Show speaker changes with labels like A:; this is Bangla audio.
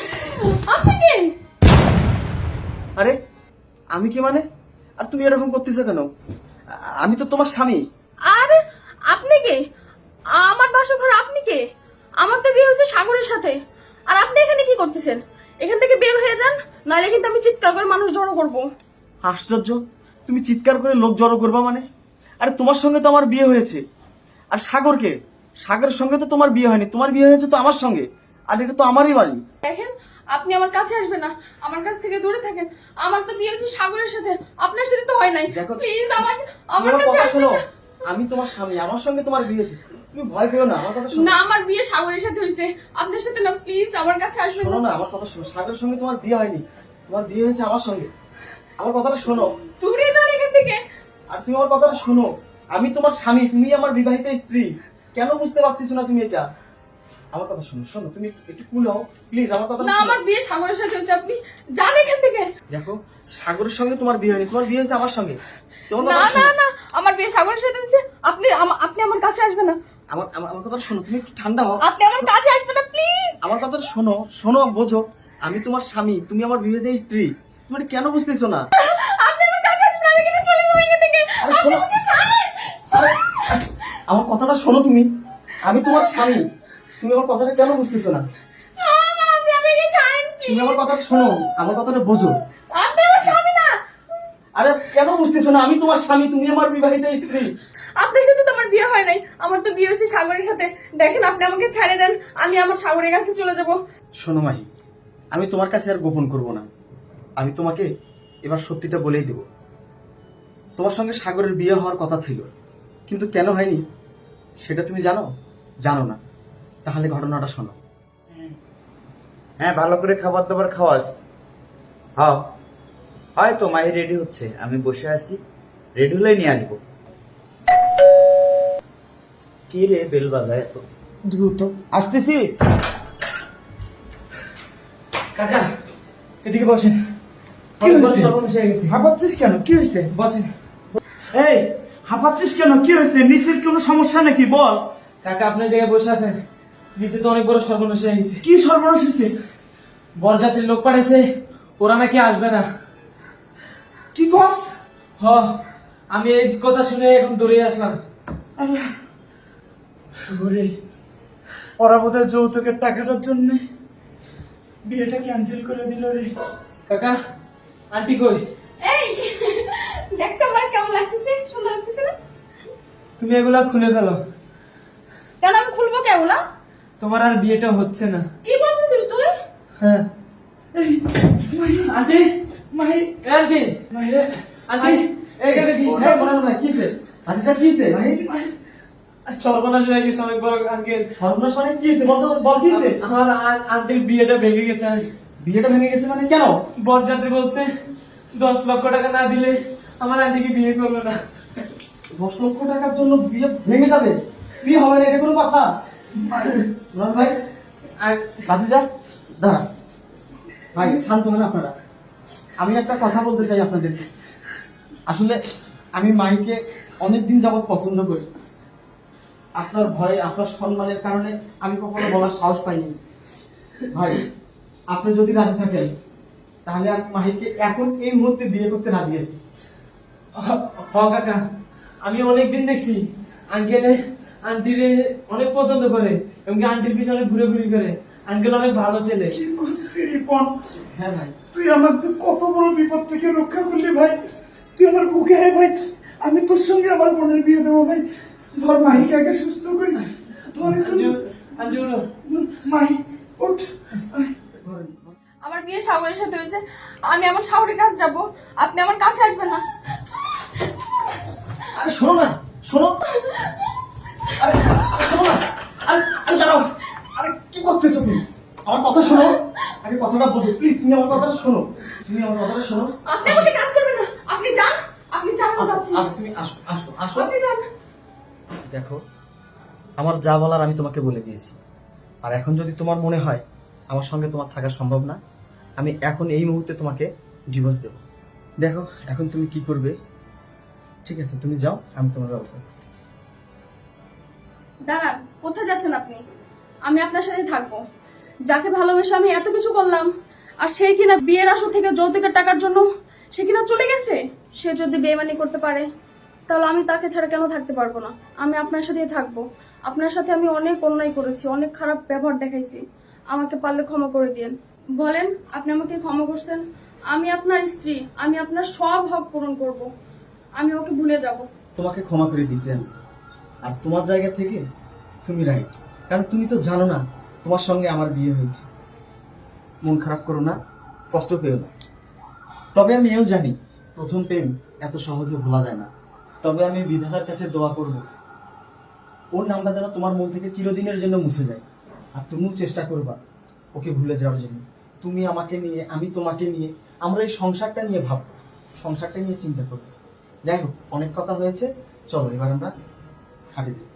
A: আপনি কে?
B: আরে আমি কি মানে? আর তুমি এরকম করতেছো কেন? আমি তো তোমার স্বামী।
A: আরে আপনি কে? আমার বাসর ঘর আপনি কে? আমার তো বিয়ে হয়েছে সাগরের সাথে। আর আপনি এখানে কি করতেছেন? এখান থেকে বের হয়ে যান, নাহলে কিন্তু আমি চিৎকার করে মানুষ জড়ো করব।
B: আশ্চর্য, তুমি চিৎকার করে লোক জড়ো করবা মানে? আরে তোমার সঙ্গে তো আমার বিয়ে হয়েছে। আর সাগরকে, সাগরের সঙ্গে তো তোমার বিয়ে হয়নি, তোমার বিয়ে হয়েছে তো আমার সঙ্গে। আর এটা তো আমারই বাড়ি।
A: দেখেন, আপনি আমার কাছে আসবেন না, আমার কাছ থেকে দূরে থাকেন। আমার তো বিয়ে হয়েছে সাগরের সাথে, আপনার সাথে তো হয় নাই।
B: দেখো,
A: প্লিজ আমাকে
B: তুমি
A: আমার
B: আমার
A: কাছে
B: কথা
A: আসবেন
B: শোনো।
A: না।
B: আমি তোমার স্বামী, আমার সঙ্গে তোমার বিয়ে হয়েছে। তুমি ভয় পেও না, আমার কথা শোনো।
A: না, আমার বিয়ে সাগরের সাথে হয়েছে, আপনার সাথে না। প্লিজ আমার কাছে আসবেন
B: শোনো
A: না।
B: না, আমার কথা শোনো। সাগরের সঙ্গে তোমার বিয়ে হয়নি, তোমার বিয়ে হয়েছে আমার সঙ্গে। আমার কথাটা শোনো।
A: দূরে যান এখান থেকে।
B: আর তুমি আমার কথাটা শোনো। আমি তোমার স্বামী, তুমি আমার বিবাহিত স্ত্রী। কেন বুঝতে পারতেছো না তুমি এটা? আমার কথা শোনো, শোনো, তুমি একটু কুল হও প্লিজ। আমার কথা
A: না, আমার বিয়ে সাগরের সাথে হয়েছে, আপনি যান এখান থেকে।
B: দেখো, সাগরের সঙ্গে তোমার বিয়ে হয়নি, তোমার বিয়ে হয়েছে আমার সঙ্গে। তোমার
A: না
B: কথা
A: না
B: শোনো।
A: না, আমার বিয়ে সাগরের সাথে হয়েছে। আপনি আমার কাছে আসবেন না।
B: আমার আমার আমার কথাটা শোনো, তুমি একটু ঠান্ডা হও।
A: আপনি আমার কাছে আসবেন না, প্লিজ।
B: আমার কথাটা শোনো, শোনো, বোঝো। আমি তোমার স্বামী, তুমি আমার বিবাহিত স্ত্রী। তুমি এটা কেন বুঝতেছো না?
A: আপনি আমার কাছে আসবেন না, আমি কিন্তু চলে যাবো এখান থেকে।
B: আরে শোনো,
A: আপনি আমাকে ছাড়েন।
B: আরে, আমার কথাটা শোনো তুমি। আমি তোমার স্বামী, তুমি আমার কথাটা কেন বুঝতেছো না?
A: আপনি আমাকে ছাড়েন,
B: তুমি
A: please।
B: আমার কথাটা শোনো, আমার কথাটা বোঝো।
A: আপনি আমার স্বামী না।
B: আরে কেন বুঝতেছো না? আমি তোমার স্বামী, তুমি আমার বিবাহিত স্ত্রী।
A: আপনার সাথে তো আমার বিয়ে হয় নাই, আমার তো বিয়ে হয়েছে সাগরের সাথে। দেখেন, আপনি আমাকে ছেড়ে দেন, আমি আমার সাগরের কাছে চলে যাব।
B: শোনো মাহি, আমি তোমার কাছে আর গোপন করব না। আমি তোমাকে এবার সত্যিটা বলেই দেব। তোমার সঙ্গে সাগরের বিয়ে হওয়ার কথা ছিল, কিন্তু কেন হয়নি সেটা তুমি জানো? জানো না? তাহলে ঘটনাটা শোনো।
C: হ্যাঁ, ভালো করে খাবার দাবার খাওয়াস। হ্যাঁ, হয়তো মাহি রেডি হচ্ছে, আমি বসে আছি, রেডি হলে নিয়ে আসবো। কি রে বেল বাজায় এত দ্রুত? আসতেছি।
B: কাকা, এদিকে বসেন।
C: কি হয়েছে?
B: সর্বনাশ হয়ে গেছে।
C: হাঁপাচ্ছিস কেন? কি হয়েছে?
B: বসেন।
C: এই, হাঁপাচ্ছিস কেন? কি হয়েছে? নিচের কোনো সমস্যা নাকি? বল।
D: কাকা, আপনি জায়গায় বসে আছেন, নিচে তো অনেক বড় সর্বনাশ হয়ে গেছে।
C: কি সর্বনাশ হয়েছে?
D: বরযাত্রীর লোক পাঠাইছে, ওরা নাকি আসবে না।
C: কি কস?
D: হ, আমি এই কথা শুনে এখন দৌড়ে আসলাম।
C: আল্লাহ, শুভরে, ওরা বোধহয় যৌতুকের টাকাটার জন্য বিয়েটা ক্যান্সেল করে দিল রে।
D: কাকা, আন্টি কই?
A: এই, দেখতে আমার কেমন লাগতেছে? সুন্দর লাগতেছে না?
D: তুমি এগুলা খুলে ফেলো,
A: কেন আমি খুলবো কেগুলা?
D: তোমার আর বিয়েটা হচ্ছে না।
A: কি বলতেছিস তুই?
D: হ্যাঁ।
C: এই, মাহি,
D: আন্টি,
C: মাহি,
D: এ আন্টি, আন্টি, এখানে কি হয়েছে?
B: ভাই কিসে? আচ্ছা কিসে ভাই?
D: সর্বনাশ হয়ে গেছে অনেক বড় আঙ্কেল।
B: সর্বনাশ মানে কিসে? বল তো, বল কিসে?
D: আমার আন্টির বিয়েটা ভেঙে গেছে।
B: বিয়েটা ভেঙে গেছে মানে কেন?
D: বরযাত্রী বলছে 10 লক্ষ টাকা না দিলে আমার আন্টিকে বিয়ে করবে না।
B: 10 লক্ষ টাকার জন্য বিয়ে ভেঙে যাবে? বিয়ে হবে না, এটা কোনো কথা? রন ভাই,
D: আর
B: বাদিদা, দাঁড়া ভাই, শান্ত হন আপনারা। আমি একটা কথা বলতে চাই আপনাদেরকে। আসলে আমি মাইকে অনেকদিন যাবৎ পছন্দ করি। আপনার ভয়ে, আপনার সম্মানের কারণে আমি কখনো বলার সাহস পাইনি। ভাই, আপনি যদি রাজি থাকেন তাহলে আমি মাহিকে এখন এই মুহূর্তে বিয়ে করতে রাজি আছি।
D: কাকা, আমি অনেকদিন দেখছি আঙ্কেল আন্টিরে অনেক পছন্দ করে এবং আন্টির পিছনে ঘুরে ঘুরে করে। আঙ্কেল অনেক ভালো ছেলে।
C: কি করছিস রিপন?
B: হ্যাঁ ভাই,
C: তুই আমাকে কত বড় বিপদ থেকে রক্ষা করলি ভাই। তুই আমার বুকে আয় ভাই, আমি তোর সঙ্গে আমার বোনের বিয়ে দেবো ভাই। ধর মাহিকে আগে সুস্থ করি। ধর একটু,
D: আন্টি উঠো।
C: মাহি ওঠ।
A: আমার বিয়ে সাগরের সাথে হয়েছে, আমি আমার সাগরের কাছে যাব, আপনি আমার কাছে আসবেন না।
B: আরে শোনো না, শোনো। আরে আরে শোনো না। আরে আরে দাঁড়াও। আরে কি করতেছো তুমি? আমার কথা শোনো। আগে কথাটা বোঝো প্লিজ। তুমি আমার কথাটা শোনো, তুমি আমার কথাটা শোনো।
A: আপনি আমাকে কাজ করবেন না, আপনি যান, আপনি যান, আমি
B: আসো,
A: যাচ্ছি।
B: আসো, তুমি আসো, আসো, আসো।
A: আপনি যান।
B: দেখো, আমার যা বলার আমি তোমাকে বলে দিয়েছি। আর এখন যদি তোমার মনে হয় আমার সঙ্গে তোমার থাকা সম্ভব না, আমি এখন এই মুহূর্তে তোমাকে ডিভোর্স দেব। দেখো এখন তুমি কি করবে। ঠিক আছে, তুমি যাও, আমি তোমার ব্যবস্থা করতেছি।
A: দাঁড়ান, কোথায় যাচ্ছেন আপনি? আমি আপনার সাথে থাকবো। যাকে ভালোবেসে আমি এত কিছু করলাম, আর সে কিনা বিয়ের আসর থেকে যৌতুকের টাকার জন্য সে কিনা চলে গেছে। সে যদি বেইমানি করতে পারে তাহলে আমি তাকে ছাড়া কেন থাকতে পারবো না? আমি আপনার সাথেই থাকবো। আপনার সাথে আমি অনেক অন্যায় করেছি, অনেক খারাপ ব্যবহার দেখাইছি। আমাকে পারলে ক্ষমা করে দিন। বলেন, আপনি আমাকে ক্ষমা করছেন? আমি আপনার স্ত্রী, আমি আপনার সব হক পূরণ করব। আমি ওকে ভুলে যাব।
B: তোমাকে ক্ষমা করে দিছি আমি। আর তোমার জায়গা থেকে তুমি রাইট, কারণ তুমি তো জানো না তোমার সঙ্গে আমার বিয়ে হয়েছে। মন খারাপ করো না, কষ্ট পেও না। তবে আমি এও জানি প্রথম প্রেম এত সহজে ভোলা যায় না। তবে আমি বিধাতার কাছে দোয়া করব ওর নামটা যেন তোমার মন থেকে চিরদিনের জন্য মুছে যায়। আর তুমিও চেষ্টা করবা ওকে ভুলে যাওয়ার জন্য। তুমি আমাকে নিয়ে, আমি তোমাকে নিয়ে, আমরা এই সংসারটা নিয়ে ভাববো, সংসারটা নিয়ে চিন্তা করবো। যাই হোক, অনেক কথা হয়েছে, চলো এবার আমরা খাটে যাই।